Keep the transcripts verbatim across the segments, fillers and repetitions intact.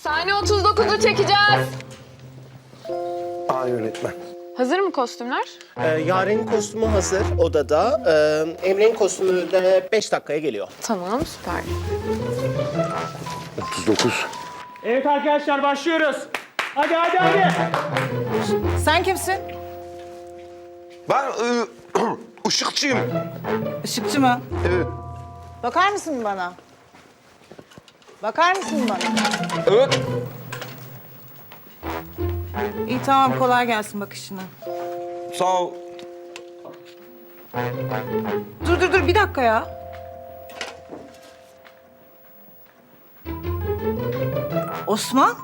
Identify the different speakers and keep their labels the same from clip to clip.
Speaker 1: Sahne otuz dokuzu çekeceğiz.
Speaker 2: Aa yönetmen.
Speaker 1: Hazır mı kostümler?
Speaker 3: Ee, Yaren'in kostümü hazır odada. Ee, Emre'nin kostümü de beş dakikaya geliyor.
Speaker 1: Tamam, süper.
Speaker 2: otuz dokuz.
Speaker 4: Evet arkadaşlar başlıyoruz. Hadi hadi hadi.
Speaker 5: Sen kimsin?
Speaker 2: Ben ı, ışıkçıyım.
Speaker 5: Işıkçı mı?
Speaker 2: Evet.
Speaker 5: Bakar mısın bana? Bakar mısın bana?
Speaker 2: Evet.
Speaker 5: İyi tamam kolay gelsin bakışına.
Speaker 2: Sağ ol.
Speaker 5: Dur dur dur bir dakika ya. Osman?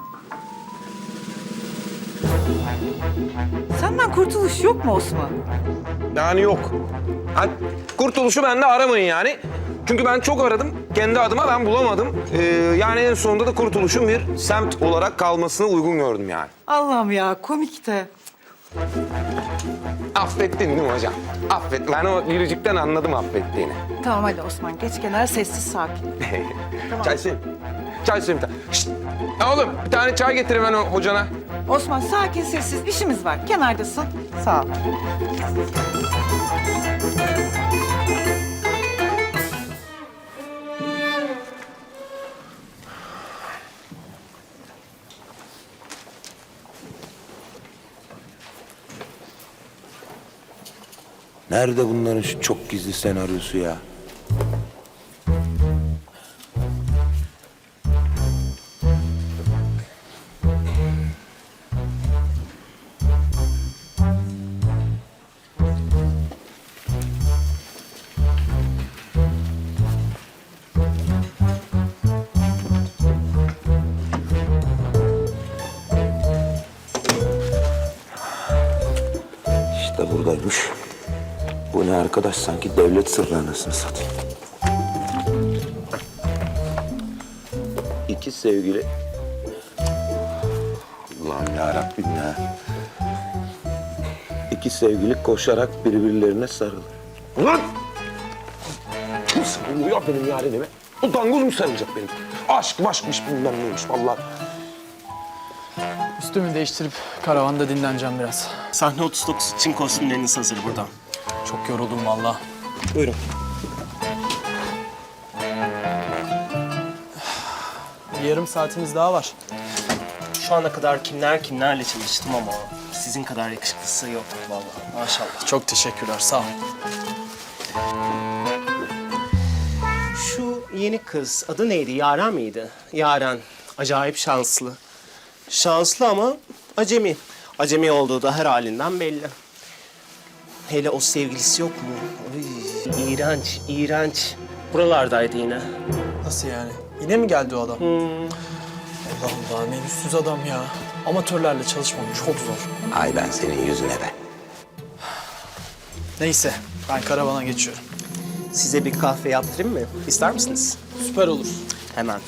Speaker 5: Senden kurtuluş yok mu Osman?
Speaker 2: Yani yok. Hani kurtuluşu bende aramayın yani. Çünkü ben çok aradım. Kendi adıma ben bulamadım. Ee, yani en sonunda da kurtuluşun bir semt olarak kalmasını uygun gördüm yani.
Speaker 5: Allah'ım ya komik de.
Speaker 2: Affettin değil mi hocam? Affet. Ben o yürücükten anladım affettiğini.
Speaker 5: Tamam hadi Osman geç kenara sessiz sakin.
Speaker 2: Çay söyle. Çay söyle bir tane. Şşt! Ya oğlum bir tane çay getir hemen o hocana.
Speaker 5: Osman sakin sessiz işimiz var. Kenardasın. Sağ ol.
Speaker 2: Nerede bunların şu çok gizli senaryosu ya? İşte buradaymış. Bu ne arkadaş? Sanki devlet sırrı anasını satayım. İki sevgili... Allah'ım yarabbim ya. İki sevgili koşarak birbirlerine sarılır. Ulan! Kim sarılıyor benim yarenime? O dangoz mu sarılacak benim? Aşk maşkmış bilmem neymiş vallahi.
Speaker 4: Üstümü değiştirip karavanda dinleneceğim biraz.
Speaker 3: Sahne otuz dokuz için kostümleriniz hazır burada.
Speaker 4: Çok yoruldum vallahi.
Speaker 3: Buyurun.
Speaker 4: Bir yarım saatimiz daha var.
Speaker 3: Şu ana kadar kimler kimlerle çalıştım ama sizin kadar yakışıklısı yok vallahi. Maşallah.
Speaker 4: Çok teşekkürler, sağ ol.
Speaker 3: Şu yeni kız adı neydi? Yaren miydi? Yaren. Acayip şanslı. Şanslı ama acemi. Acemi olduğu da her halinden belli. Hele o sevgilisi yok mu? Ay, iğrenç, iğrenç. Buralardaydı yine.
Speaker 4: Nasıl yani? Yine mi geldi o adam? Allah Allah, ne yüzsüz adam ya. Amatörlerle çalışmam çok zor.
Speaker 2: Ay ben senin yüzüne be.
Speaker 4: Neyse, ben karavana geçiyorum.
Speaker 3: Size bir kahve yaptırayım mı? İster misiniz?
Speaker 4: Süper olur.
Speaker 3: Hemen.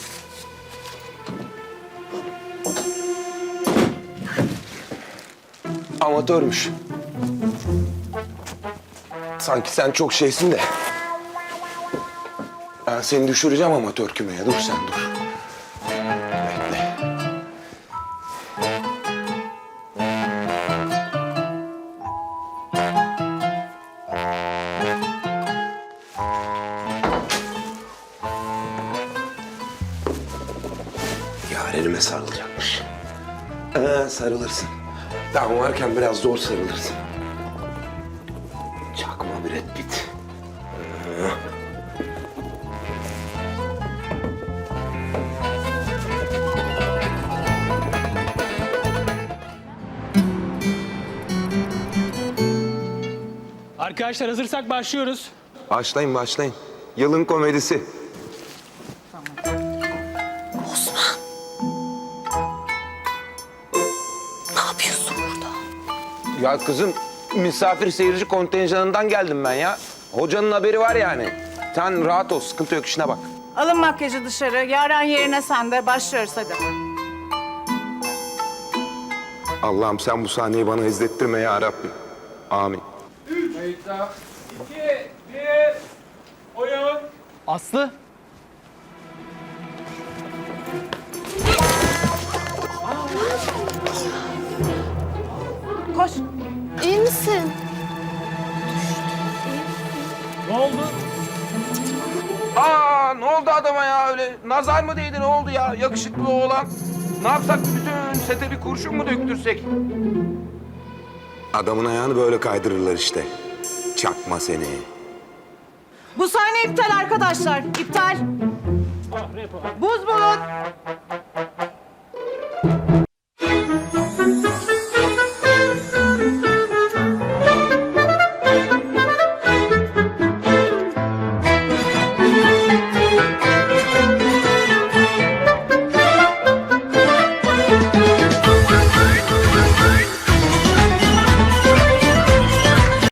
Speaker 2: Amatörmüş. Sanki sen çok şeysin de. Ben seni düşüreceğim amatör kümeye. Dur sen dur. Bekle. Yarenime sarılacakmış. Ee, sarılırsın. Ben varken biraz zor sarılırsın. Çakma Brad Pitt. Ee.
Speaker 4: Arkadaşlar hazırsak başlıyoruz.
Speaker 2: Başlayın başlayın. Yılın komedisi.
Speaker 5: Ne yapıyorsun burada?
Speaker 2: Ya kızım misafir seyirci kontenjanından geldim ben ya. Hocanın haberi var yani. Sen rahat ol, sıkıntı yok, işine bak.
Speaker 5: Alın makyajı dışarı. Yaren yerine sen de başlıyoruz hadi.
Speaker 2: Allah'ım sen bu sahneyi bana izlettirme ya Rabbim. Amin.
Speaker 4: İki, bir, oyun. Aslı.
Speaker 5: koş.
Speaker 1: İyi misin?
Speaker 3: Ne oldu?
Speaker 2: Aa ne oldu adama ya öyle? Nazar mı değdi ne oldu ya? Yakışıklı oğlan. Ne yapsak bütün sete bir kurşun mu döktürsek? Adamın ayağını böyle kaydırırlar işte. Çakma seni.
Speaker 5: Bu sahne iptal arkadaşlar. İptal. Buz bulun.